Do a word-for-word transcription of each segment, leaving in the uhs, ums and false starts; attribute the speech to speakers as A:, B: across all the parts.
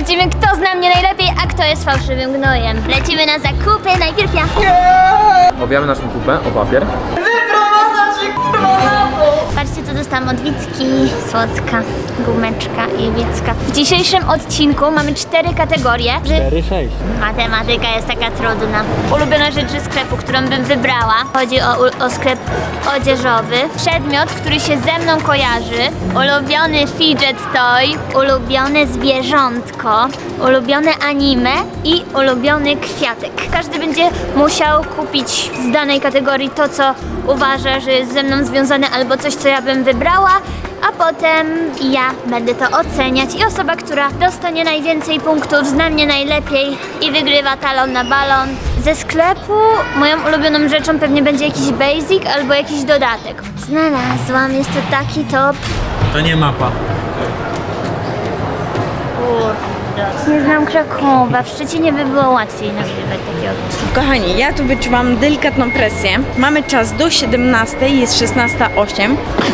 A: zobaczymy, kto zna mnie najlepiej, a kto jest fałszywym gnojem. Lecimy na zakupy, najpierw ja.
B: Owijamy naszą kupę o papier.
A: Patrzcie, co dostałam od Wicki. Słodka, gumeczka i Wicka. W dzisiejszym odcinku mamy cztery kategorie.
B: cztery sześć.
A: Matematyka jest taka trudna. Ulubiona rzecz ze sklepu, którą bym wybrała. Chodzi o, o sklep odzieżowy. Przedmiot, który się ze mną kojarzy. Ulubiony fidget toy. Ulubione zwierzątko. Ulubione anime i ulubiony kwiatek. Każdy będzie musiał kupić z danej kategorii to, co uważa, że jest ze mną związane, albo coś, co ja bym wybrała, a potem ja będę to oceniać i osoba, która dostanie najwięcej punktów, zna mnie najlepiej i wygrywa talon na balon. Ze sklepu moją ulubioną rzeczą pewnie będzie jakiś basic albo jakiś dodatek. Znalazłam, jest to taki top.
B: To nie mapa.
A: Nie znam Krakowa, w Szczecinie by było łatwiej nagrywać takie odcinki.
C: Kochani, ja tu wyczuwam delikatną presję. Mamy czas do siedemnastej, jest szesnasta osiem.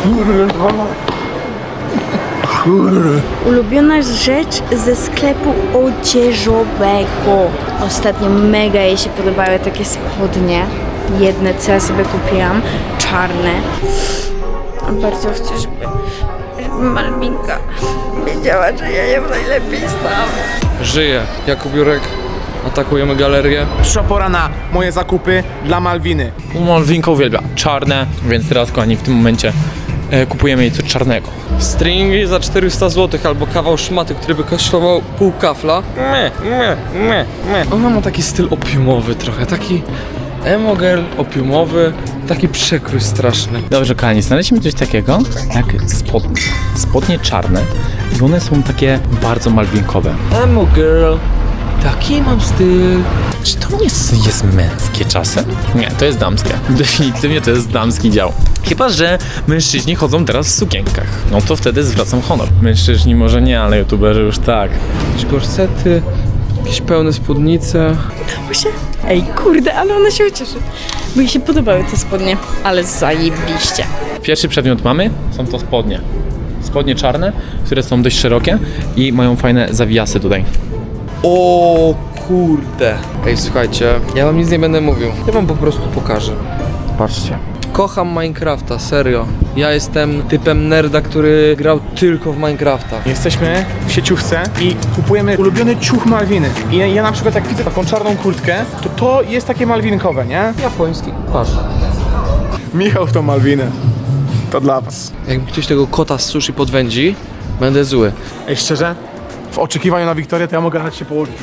C: Ulubiona rzecz ze sklepu odzieżowego. Ostatnio mega jej się podobały takie spodnie. Jedne, co ja sobie kupiłam, czarne. Bardzo chcę, żeby, żeby Malwinka wiedziała, że ja ją najlepiej znam.
D: Żyję. Jakub Jurek. Atakujemy galerię.
E: Przyszła pora na moje zakupy dla Malwiny.
B: Malwinka uwielbia czarne, więc teraz, kochani, w tym momencie e, kupujemy jej coś czarnego.
D: Stringi za czterysta złotych albo kawał szmaty, który by kosztował pół kafla. Me, me, me, me. Ona ma taki styl opiumowy trochę, taki emo girl opiumowy, taki przekrój straszny.
B: Dobrze, kochani, znaleźliśmy coś takiego jak spodnie. Spodnie czarne i one są takie bardzo malwinkowe.
D: Emo girl, taki mam styl.
B: Czy to nie jest, jest męskie czasem? Nie, to jest damskie. Definitywnie to jest damski dział. Chyba że mężczyźni chodzą teraz w sukienkach. No to wtedy zwracam honor. Mężczyźni może nie, ale youtuberzy już tak.
D: Jakieś gorsety, jakieś pełne spódnice.
C: Się. Ej, kurde, ale ona się ucieszy. Bo jej się podobały te spodnie, ale zajebiście.
B: Pierwszy przedmiot mamy, są to spodnie. Spodnie czarne, które są dość szerokie i mają fajne zawijasy tutaj.
D: O kurde. Ej, słuchajcie, ja wam nic nie będę mówił. Ja wam po prostu pokażę.
B: Patrzcie.
D: Kocham Minecrafta, serio. Ja jestem typem nerda, który grał tylko w Minecrafta.
E: Jesteśmy w sieciówce i kupujemy ulubiony ciuch Malwiny. I ja, ja na przykład jak widzę taką czarną kurtkę, to to jest takie malwinkowe, nie?
D: Japoński. Patrz.
E: Michał w tą Malwinę. To dla was.
D: Jak mi ktoś tego kota z sushi podwędzi, będę zły.
E: Ej, szczerze, w oczekiwaniu na Wiktorię to ja mogę dać się położyć.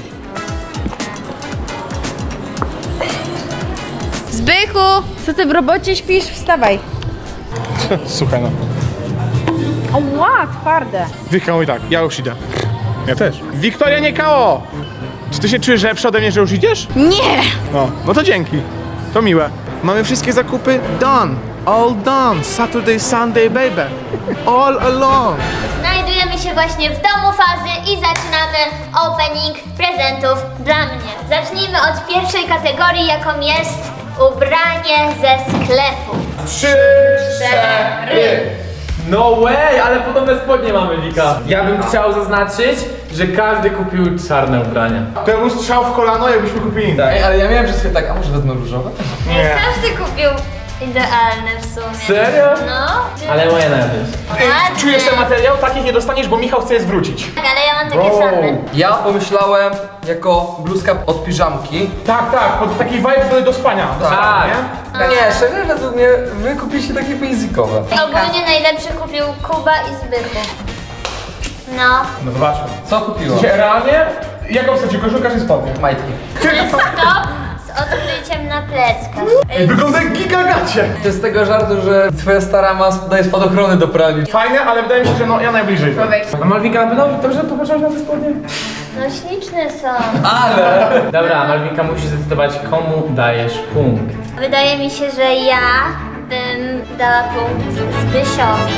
C: Zbychu! Co ty w robocie śpisz? Wstawaj.
E: Słuchaj no.
C: Ała, twarde.
E: Wika mówi tak, ja już idę. Ja też. Wiktoria, nie K O! Czy ty się czujesz lepszy ode mnie, że już idziesz?
C: Nie!
E: No, no to dzięki. To miłe. Mamy wszystkie zakupy done. All done. Saturday, Sunday, baby. All along.
A: Znajdujemy się właśnie w domu Fazy i zaczynamy opening prezentów dla mnie. Zacznijmy od pierwszej kategorii, jaką jest ubranie ze sklepu.
E: Trzy, cztery.
B: No way, ale podobne spodnie mamy, Wika. Ja bym chciał zaznaczyć, że każdy kupił czarne ubrania.
E: To ja bym strzał w kolano, jakbyśmy kupili. Tak.
D: Ej, ale ja miałem przez chwilę tak, a może wezmę różowe?
E: Nie.
A: Każdy kupił idealne w sumie.
B: Serio?
A: No.
B: Ale moje najlepiej.
E: Ej, czujesz ten materiał? Takich nie dostaniesz, bo Michał chce je zwrócić.
A: Tak, ale ja mam takie same.
D: Ja pomyślałem jako bluzka od piżamki.
E: Tak, tak, pod taki vibe do, do spania. Do
D: Tak.
E: spania, nie?
D: Nie, szczerze według mnie wy kupiliście takie basicowe.
A: Ogólnie najlepszy kupił Kuba i Zbychu. No.
E: No zobaczmy.
D: Co kupiła?
E: Gdzie realnie? Jaką chcecie, koszulka czy spodnie?
D: Majtki.
A: To jest top z odkryciem na pleckach.
E: Ej, wygląda jak gigagacie.
D: To jest z tego żartu, że twoja stara ma daje spadochrony do pralni.
E: Fajne, ale wydaje mi się, że no ja najbliżej. A Malwinka, na pewno dobrze popatrzyłaś na te spodnie?
A: No śliczne są.
D: Ale!
B: Dobra, Malwinka musi zdecydować, komu dajesz punkt.
A: Wydaje mi się, że ja bym dała punkt Zbysiowi.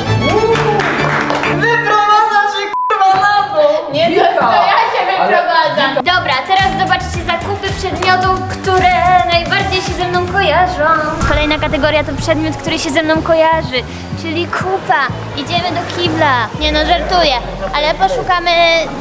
A: Nie, to, to ja się wyprowadzam. Dobra, teraz zobaczcie zakupy przedmiotów, które najbardziej się ze mną kojarzą. Kolejna kategoria to przedmiot, który się ze mną kojarzy, czyli kupa. Idziemy do kibla. Nie no, żartuję, ale poszukamy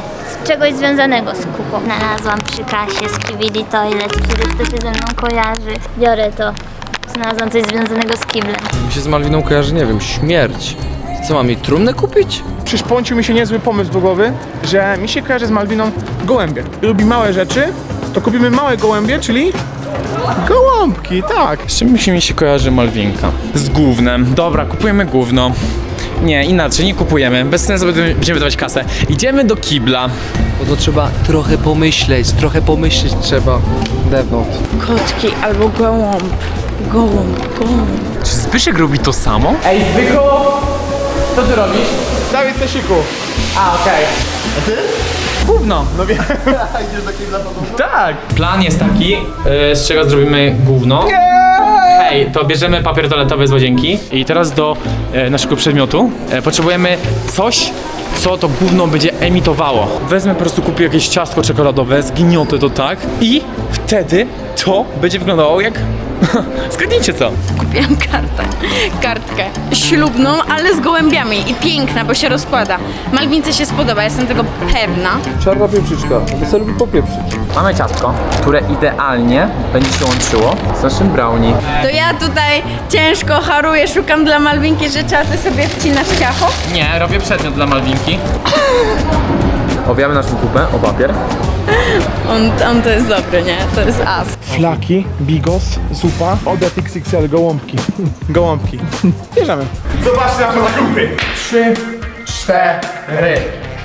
A: czegoś związanego z kupą. Znalazłam przy kasie Skibidi Toilet, który kto się ze mną kojarzy. Biorę to. Znalazłam coś związanego z kiblem.
D: Mi się z Malwiną kojarzy, nie wiem, śmierć. Co, mam jej trumnę kupić?
E: Przyszpącił mi się niezły pomysł do głowy, że mi się kojarzy z Malwiną gołębie. Lubi małe rzeczy, to kupimy małe gołębie, czyli gołąbki, tak.
B: Z czym mi się kojarzy Malwinka? Z gównem. Dobra, kupujemy gówno. Nie, inaczej, nie kupujemy. Bez sensu będziemy wydawać kasę. Idziemy do kibla.
D: Bo to trzeba trochę pomyśleć, trochę pomyśleć trzeba. Dewnątrz.
C: Kotki albo gołąb. Gołąb, gołąb.
B: Czy Zbyszek robi to samo? Ej, Zbyku! Co ty robisz?
E: Dawid Cesiku.
B: A, okej. A ty? Gówno.
E: No wiem.
B: Tak. Plan jest taki, yy, z czego zrobimy gówno. Hej, to bierzemy papier toaletowy z łazienki i teraz do e, naszego przedmiotu e, potrzebujemy coś, co to gówno będzie emitowało. Wezmę po prostu, kupię jakieś ciastko czekoladowe, zgniotę to tak i wtedy to będzie wyglądało jak... Zgadnijcie co?
C: Kupiłam kartę. Kartkę ślubną, ale z gołębiami i piękna, bo się rozkłada. Malwince się spodoba, jestem tego pewna.
D: Czarna pieprzyczka, bo sobie lubi popieprzyć.
B: Mamy ciastko, które idealnie będzie się łączyło z naszym brownie.
C: To ja tutaj ciężko haruję, szukam dla Malwinki rzeczy, a ty sobie wcinasz ciacho?
B: Nie, robię przedmiot dla Malwinki. Owijamy naszą kupę o papier.
C: On, on to jest dobry, nie? To jest as.
E: Flaki, bigos, zupa, Odet X X L, gołąbki. Gołąbki. Bierzemy. Zobaczcie na to zakupy. Trzy, cztery.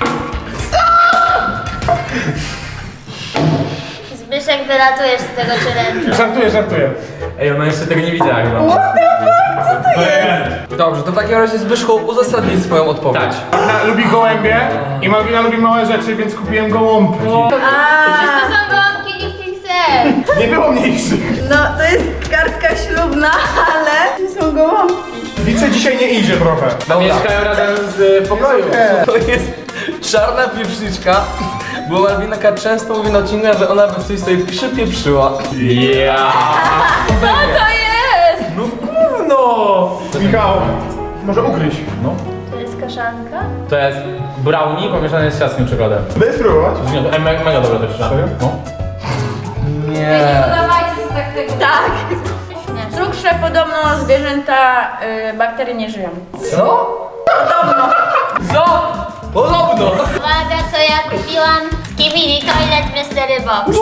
A: Zbyszek, wylatujesz z tego challenge'u.
E: Żartuję, żartuję.
B: Ej, ona jeszcze tego nie widziała chyba.
D: Dobrze, to w takim razie Zbyszku uzasadnij swoją odpowiedź.
B: Tak.
E: Malwina lubi gołębie i Malwina lubi małe rzeczy, więc kupiłem gołąbki.
A: Przecież to są gołąbki X X L.
E: Nie było mniejszych.
C: No, to jest kartka ślubna, ale to są gołąbki.
E: Wice dzisiaj nie idzie trochę.
B: Mieszkają razem z pokoju.
D: To jest czarna pieprzyczka, bo Malwinka często mówi na odcinkach, że ona by coś sobie przypieprzyła.
B: Ja.
A: Co to jest?
B: No.
E: Michał, może ugryź.
B: No.
A: To jest kaszanka?
B: To jest brownie pomieszane z ciastkiem czekoladę.
E: Będę spróbować.
B: Ej, me- mega dobre też.
E: Serio?
B: No.
D: Nie.
C: Dawajcie sobie tak tego. Tak. W cukrze podobno zwierzęta y, bakterie nie żyją.
D: Co? Co? Podobno!
A: Uwaga, co ja kupiłam? Skibidi Toilet Mystery Box.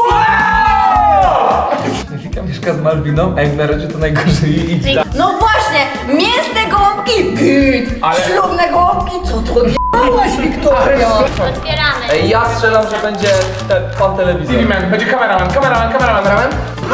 D: Wika mieszka z Malwiną, a jak na razie to najgorzej jej idzie.
C: No właśnie, mięsne gołąbki, git.
B: Ale-
C: Ślubne gołąbki, co to odjebałaś, Wiktoria?
A: Otwieramy.
D: Ej, ja strzelam, że będzie te, pan telewizor.
E: T V man, będzie kameraman, kameraman, kameraman, kameraman.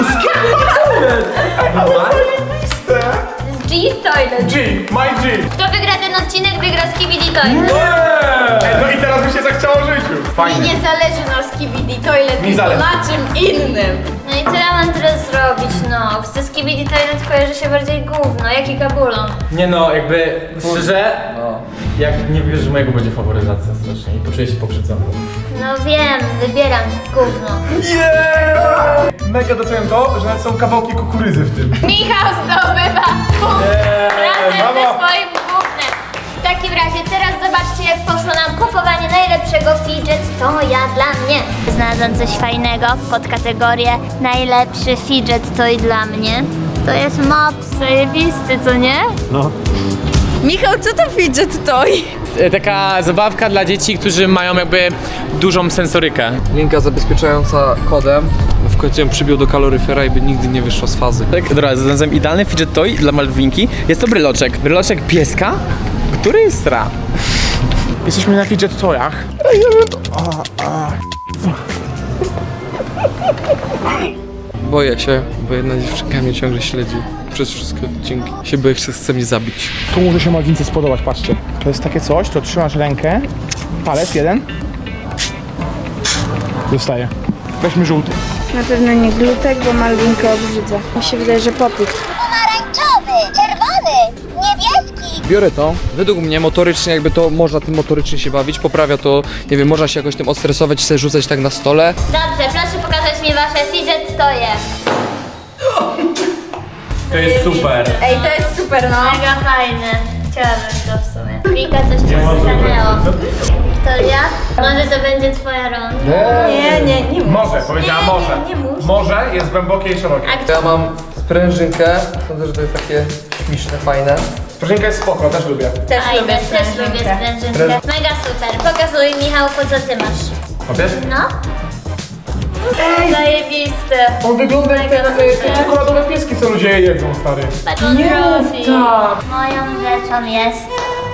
A: Z G Toilet.
E: G, my G.
A: Kto wygra ten odcinek, wygra Skibidi Toilet.
E: Ej, no i teraz mi się zachciało życiu.
C: Mi
E: Fajnie.
C: nie zależy na Skibidi Toilet,
E: Mi
C: tylko
E: zależy.
C: na czym innym.
A: No i co ja mam teraz zrobić, no? Ze Skibidi Toilet kojarzy się bardziej gówno, jak i kabulon.
B: Nie no, jakby szczerze,
D: No.
B: jak nie wiesz, że mojego będzie faworyzacja strasznie i poczuję się pokrzywdzony.
A: No wiem, wybieram gówno.
E: Yeah! Mega doceniam to, że nawet są kawałki kukurydzy w tym.
A: Michał zdobywa punkt razem
E: brawo.
A: ze swoim gównem. W takim razie teraz zobaczcie, jak poszło nam kupowanie najlepszego fidget toya dla mnie. Znalazłam coś fajnego pod kategorię najlepszy fidget toy dla mnie. To jest mops zajebisty, co nie?
C: Michał, co to fidget toy?
B: Taka zabawka dla dzieci, którzy mają jakby dużą sensorykę.
D: Linka zabezpieczająca kodem. W końcu ją przybił do kaloryfera i by nigdy nie wyszła z fazy.
B: Tak, dobra, znalazłem idealny fidget toy dla Malwinki. Jest to bryloczek. Bryloczek pieska, który sra.
E: Jesteśmy na fidget toyach.
D: Boję się, bo jedna dziewczynka mnie ciągle śledzi przez wszystkie odcinki. Się boję, że chce mnie zabić.
E: Tu może się Malwince spodobać, patrzcie. To jest takie coś, to trzymasz rękę, palec jeden. Zostaje. Weźmy żółty.
C: Na pewno nie glutek, bo Malwinkę obrzydza. Mi się wydaje, że popit.
F: Pomarańczowy, czerwony, niebieski.
D: Biorę to. Według mnie motorycznie jakby to można tym motorycznie się bawić, poprawia to, nie wiem, można się jakoś tym odstresować, sobie rzucać tak na stole.
A: Dobrze, proszę pokazać mi wasze fidget toye.
B: To jest super.
C: Ej, to jest super, no.
A: Mega fajne. Chciałabym to w sumie. Wika coś przestanęło. Wiktoria? Może to będzie twoja ronda?
C: Nie, nie, nie
E: Może, powiedziała
A: Nie,
E: może.
A: nie, nie musi.
E: Może jest głębokie i szerokie.
A: A
D: Ja mam sprężynkę, sądzę, że to jest takie śmieszne, fajne.
E: Sprężynka jest spoko, też lubię.
C: Też
A: Fajne,
C: lubię
A: też lubię sprężynkę. Mega super. Pokazuj, Michał, po co ty masz.
E: Łapiesz?
A: No. Zajebiste.
E: On wygląda jak ten, e, te czekoladowe pieski, co ludzie jedzą, stary.
A: Patrz, on robi. Moją rzeczą jest...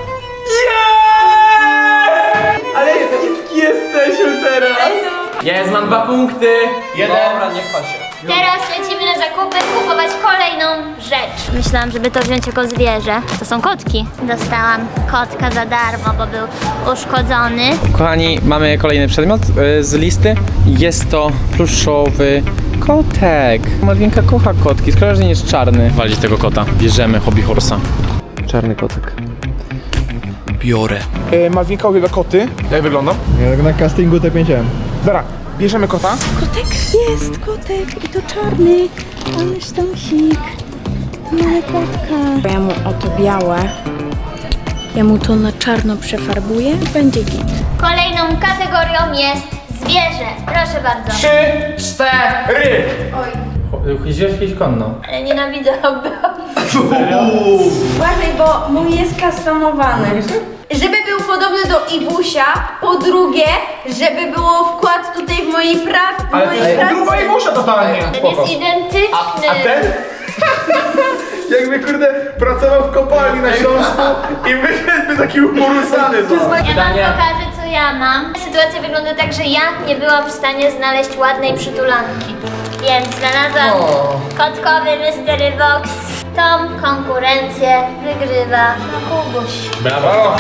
B: Ale wszystkie jesteśmy teraz! Jest, mam dwa punkty!
E: Jeden.
D: Dobra, nie chwal się.
A: Teraz lecimy na zakupy, kupować kolejną rzecz. Myślałam, żeby to wziąć jako zwierzę. To są kotki. Dostałam kotka za darmo, bo był uszkodzony.
B: Kochani, mamy kolejny przedmiot y, z listy. Jest to pluszowy kotek. Malwinka kocha kotki, szkoda, że nie jest czarny. Walić tego kota. Bierzemy hobby horsa. Czarny kotek. Biorę.
E: E, Malwinka uwielbia koty. Jak wygląda?
G: Ja na castingu tak miałem.
E: Dobra, bierzemy kota.
C: Kotek jest, kotek i to czarny. Ależ tam sik. Mamy kotka. Ja mu oto białe. Ja mu to na czarno przefarbuję i będzie git.
A: Kolejną kategorią jest zwierzę. Proszę bardzo.
E: Trzy, cztery.
B: Jeździłeś kiedyś konno?
A: Ale nienawidzę hobby.
C: Uważaj, bo mój jest customowany. Żeby był podobny do Ibusia, po drugie, żeby było wkład tutaj w mojej, pra- w
E: Ale
C: mojej
E: to jest
C: pracy.
E: gruba i musza totalnie.
A: Ten
E: Spoko.
A: jest identyczny.
E: A ten? Jakby kurde pracował w kopalni na Śląsku i wyszedłby taki umorusany.
A: Ja wam pokażę, co ja mam. Sytuacja wygląda tak, że ja nie byłam w stanie znaleźć ładnej przytulanki. Więc znalazłam kotkowy Mystery Box. Tą konkurencję wygrywa Kubuś.
E: Brawo.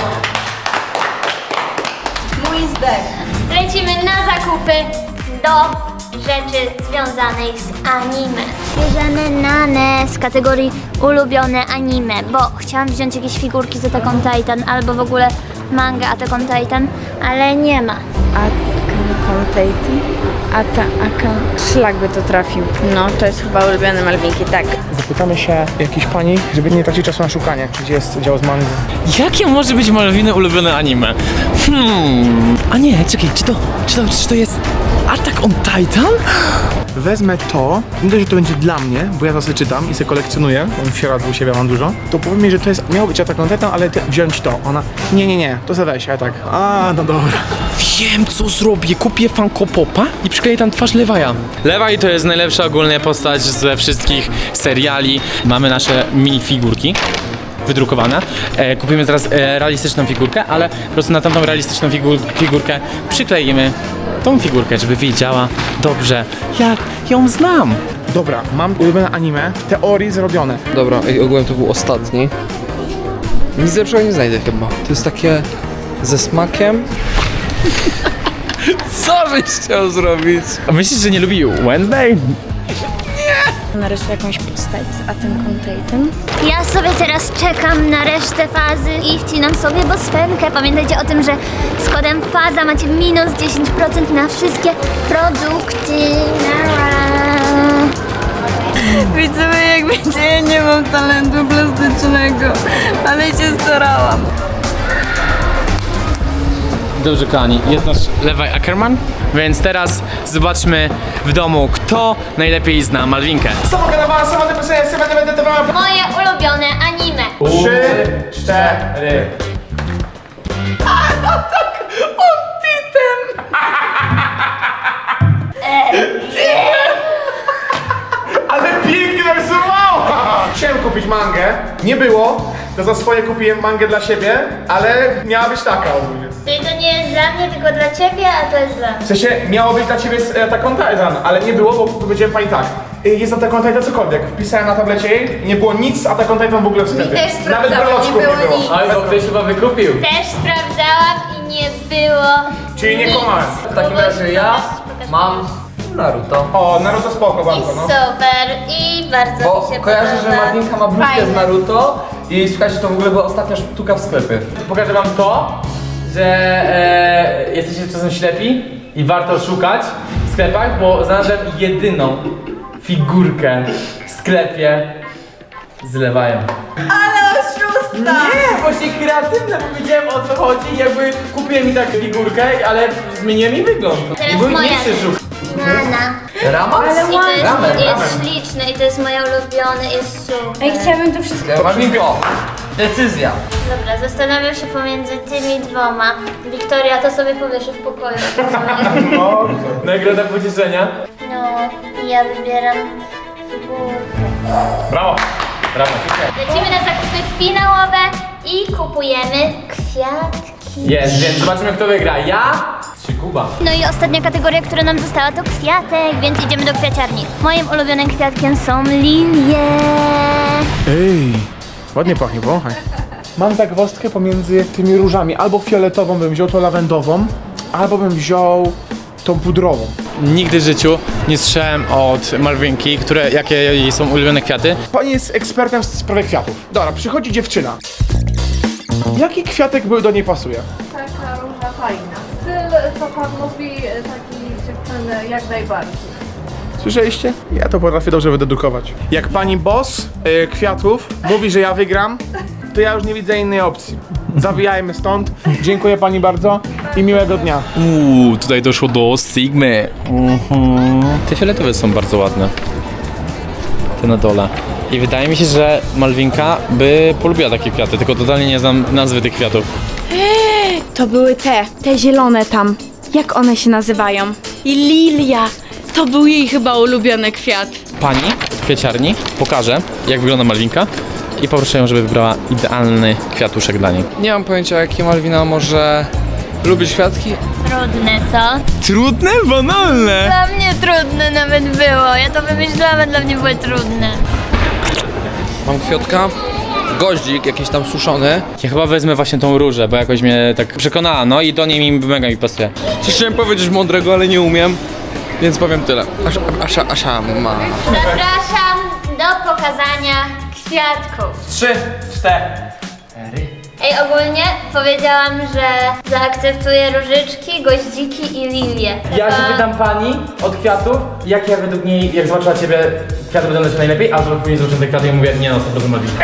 C: Mój zdech.
A: Lecimy na zakupy do rzeczy związanej z anime. Bierzemy Nanę z kategorii ulubione anime, bo chciałam wziąć jakieś figurki z Attack on Titan albo w ogóle manga Attack on Titan, ale nie ma.
C: Akan Titan. A ta Akan. Szlak by to trafił. No, to jest chyba ulubiony Malwinki, tak.
E: Zapytamy się jakiejś pani, żeby nie tracić czasu na szukanie, gdzie jest dział z mangi.
B: Jakie może być Malwiny ulubione anime? Hmm. A nie, czekaj, czy to, czy to, czy to jest Attack on Titan?
E: Wezmę to, nie dość, że to będzie dla mnie, bo ja to sobie czytam i sobie kolekcjonuję, bo w sieradzu u siebie mam dużo, to powiem mi, że to jest, miało być Attack on Titan, ale ty, wziąć to. Ona, nie, nie, nie, to sobie weź, a ja tak, a, no dobra.
B: Wiem, co zrobię. Kupię Funko Popa i przykleję tam twarz Levi'a. Levi to jest najlepsza ogólnie postać ze wszystkich seriali. Mamy nasze minifigurki wydrukowane. E, kupimy teraz e, realistyczną figurkę, ale po prostu na tamtą realistyczną figur figurkę przykleimy tą figurkę, żeby wiedziała dobrze, jak ją znam.
E: Dobra, mam ulubione anime, w teorii zrobione.
D: Dobra, i ogółem to był ostatni. Nic lepszego nie znajdę chyba. To jest takie ze smakiem.
B: Co żeś chciał zrobić? A myślisz, że nie lubi Wednesday?
C: Narysuję jakąś postać z Attack on Titan.
A: Ja sobie teraz czekam na resztę fazy i wcinam sobie bosfenkę. Pamiętajcie o tym, że z kodem FAZA macie minus dziesięć procent na wszystkie produkty.
C: Widzowie, jak wiecie, ja nie mam talentu plastycznego, ale się starałam.
B: Dobrze, kochani, jest nasz Levi Ackerman, więc teraz zobaczmy w domu, kto najlepiej zna Malwinkę.
E: Samogadowała, samodepresja, samodepresja.
A: Moje ulubione anime.
E: Trzy, cztery. Ale pięknie narysowała! Chciałem kupić mangę, nie było, to za swoje kupiłem mangę dla siebie, ale miała być taka ogólnie.
A: Czyli to nie jest dla mnie, tylko dla ciebie, a to jest dla mnie.
E: W sensie miało być dla ciebie z Attack on Titan, ale nie było, bo powiedziałem pani tak. y, Jest Attack on Titan cokolwiek. Wpisałem na tablecie jej, nie było nic z Attack on Titan w ogóle w sklepie.
C: też
E: Nawet
C: sprawdzałam,
E: breloczków
C: nie było nic.
B: Oj, bo ktoś chyba wykupił.
A: Też sprawdzałam i nie było.
E: Czyli nie
A: nic.
E: kłamałem.
D: W takim razie ja
A: Pokaż,
D: mam Naruto.
E: O, Naruto spoko
A: I
E: bardzo, no.
A: super, i bardzo
D: Bo
A: mi się
D: kojarzę, że
A: podoba.
D: Martinka ma bluzkę
C: Fajne.
D: z Naruto i słuchajcie, to w ogóle była ostatnia sztuka w sklepie.
B: Pokażę wam to, że e, jesteście czasem ślepi i warto szukać w sklepach, bo znalazłem jedyną figurkę w sklepie z Levi'em.
C: Ale oszustwo!
E: Nie, właśnie kreatywne, powiedziałem o co chodzi, jakby kupiłem mi tak figurkę, ale zmieniłem jej wygląd.
A: Teraz
E: I był
A: moja.
E: mniejszy żuch.
A: Nana.
E: Rama?
A: I to jest,
E: Ramen,
A: jest
E: ramen.
A: śliczne i to jest moje ulubione, jest super.
C: Ej, chciałabym to wszystko.
D: Marvinko, decyzja.
A: Dobra, zastanawiam się pomiędzy tymi dwoma. Wiktoria, to sobie powieszę w pokoju.
E: O, nagroda pocieszenia.
A: No, i ja wybieram figurkę.
E: Brawo. Brawo.
A: Lecimy na zakupy finałowe i kupujemy kwiatki.
E: Jest, więc zobaczymy kto wygra. Ja czy Kuba?
A: No i ostatnia kategoria, która nam została, to kwiatek, więc idziemy do kwiaciarni. Moim ulubionym kwiatkiem są lilie.
E: Ej, ładnie pachnie, wąchaj. Mam zagwozdkę pomiędzy tymi różami. Albo fioletową bym wziął, tą lawendową, albo bym wziął tą pudrową.
B: Nigdy w życiu nie słyszałem od Marvinki, które, jakie jej są ulubione kwiaty.
E: Pani jest ekspertem w sprawie kwiatów. Dobra, przychodzi dziewczyna. Jaki kwiatek by do niej pasuje?
H: Taka róża fajna. Styl, co pan mówi, takiej dziewczyny jak najbardziej.
E: Słyszeliście? Ja to potrafię dobrze wydedukować. Jak pani boss y, kwiatów mówi, że ja wygram, to ja już nie widzę innej opcji. Zawijajmy stąd. Dziękuję pani bardzo i miłego dnia.
B: Uuu, tutaj doszło do Sigmy. Mhm. Te fioletowe są bardzo ładne. Te na dole. I wydaje mi się, że Malwinka by polubiła takie kwiaty, tylko totalnie nie znam nazwy tych kwiatów.
C: To były te, te zielone tam. Jak one się nazywają? I lilia. To był jej chyba ulubiony kwiat.
B: Pani w kwieciarni pokaże, jak wygląda Malwinka i poproszę ją, żeby wybrała idealny kwiatuszek dla niej.
D: Nie mam pojęcia, jakie Malwina może lubić kwiatki.
A: Trudne, co?
B: Trudne? Banalne!
A: Dla mnie trudne nawet było. Ja to wymyślałam, a dla mnie były trudne.
D: Mam kwiatka, goździk jakiś tam suszony.
B: Ja chyba wezmę właśnie tą różę, bo jakoś mnie tak przekonała, no i do niej mi mega mi pasuje.
D: Coś chciałem powiedzieć mądrego, ale nie umiem, więc powiem tyle. Asza, asza, asza ma.
A: Zapraszam do pokazania kwiatków.
E: Trzy, cztery.
A: Ej, ogólnie powiedziałam, że zaakceptuję różyczki, goździki i lilie.
B: Ja się
A: Tylko
B: pytam pani od kwiatów, jakie według niej, jak zobaczyła ciebie, kwiaty będą się najlepiej, a później zobaczyłem te kwiaty i mówię, nie no, sto procent Malwinka.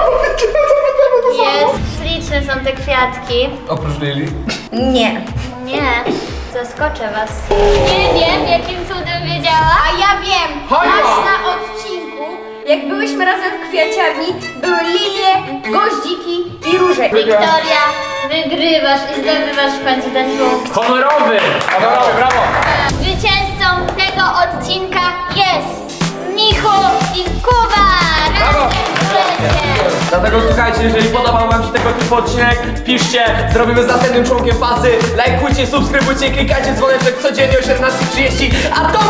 A: Jest, śliczne są te kwiatki.
D: Oprócz Lili.
C: Nie.
A: Nie, zaskoczę was. Nie wiem, jakim cudem wiedziała.
C: A ja wiem, masz na odcinku, jak byłyśmy razem w kwiaciarni, były lilie, goździki i róże.
A: Wiktoria, wygrywasz i zdobywasz w końcu ten punkt.
E: Honorowy! Brawo, brawo!
A: Zwycięzcą tego odcinka jest Michu i Kuba!
E: Brawo!
A: Razem
D: Dlatego słuchajcie, jeżeli podobał wam się tego typu odcinek, piszcie, zrobimy z następnym członkiem fazy, lajkujcie, subskrybujcie, klikajcie dzwoneczek codziennie o siedemnastej trzydzieści, a to